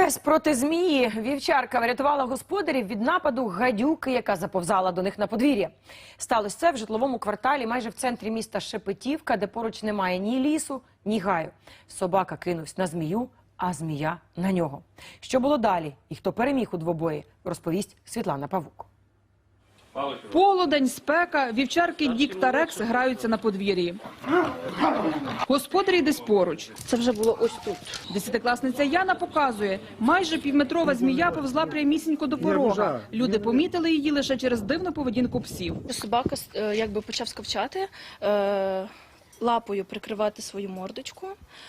Пес проти змії. Вівчарка врятувала господарів від нападу гадюки, яка заповзала до них на подвір'я. Сталося це в житловому кварталі майже в центрі міста Шепетівка, де поруч немає ні лісу, ні гаю. Собака кинувся на змію, а змія на нього. Що було далі і хто переміг у двобої, розповість Світлана Павук. Полудень, спека, вівчарки Дік та Рекс граються на подвір'ї. Господарі десь поруч. Це вже було ось тут. Десятикласниця Яна показує, майже півметрова змія повзла прямісінько до порога. Люди помітили її лише через дивну поведінку псів. Собака якби почав скавчати, лапою прикривати свою мордочку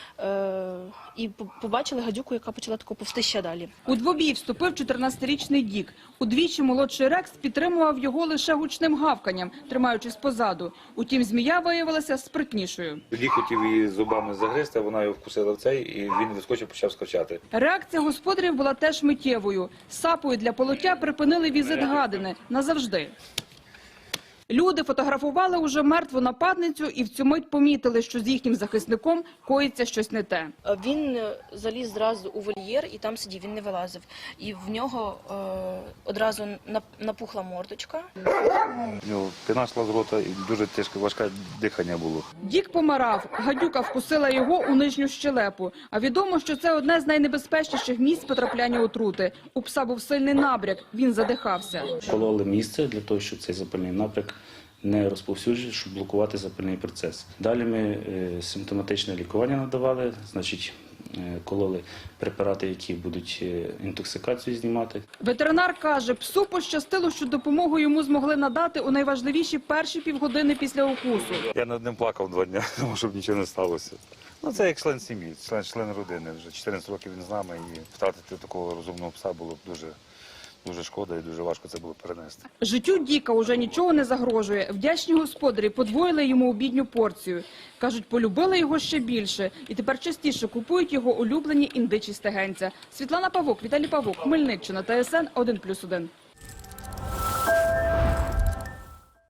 і побачили гадюку, яка почала тако повзти ще далі. У двобій вступив 14-річний Дік. Удвічі молодший Рекс підтримував його лише гучним гавканням, тримаючись позаду. Утім, змія виявилася спритнішою. Дік хотів її зубами загризти, вона його вкусила в цей, і він вискочив, почав скавчати. Реакція господарів була теж миттєвою. Сапою для полоття припинили візит гадини назавжди. Люди фотографували уже мертву нападницю і в цю мить помітили, що з їхнім захисником коїться щось не те. Він заліз зразу у вольєр і там сидів, він не вилазив. І в нього одразу напухла мордочка. У нього піна йшла з рота і дуже тяжке, важке дихання було. Дік помирав, гадюка вкусила його у нижню щелепу. А відомо, що це одне з найнебезпечніших місць потрапляння отрути. У пса був сильний набряк, він задихався. Пололи місце для того, щоб цей запальний напряг не розповсюджував, щоб блокувати запальний процес. Далі ми симптоматичне лікування надавали, значить, кололи препарати, які будуть інтоксикацію знімати. Ветеринар каже, псу пощастило, що допомогу йому змогли надати у найважливіші перші півгодини після укусу. Я над ним плакав 2 дні, тому щоб нічого не сталося. Ну, це як член сім'ї, член родини. Вже 14 років він з нами, і втратити такого розумного пса було б дуже шкода і дуже важко це було перенести. Життю Діка уже нічого не загрожує. Вдячні господарі подвоїли йому обідню порцію. Кажуть, полюбили його ще більше і тепер частіше купують його улюблені індичі стегенця. Світлана Павук, Віталій Павук, Хмельниччина, ТСН 1+1.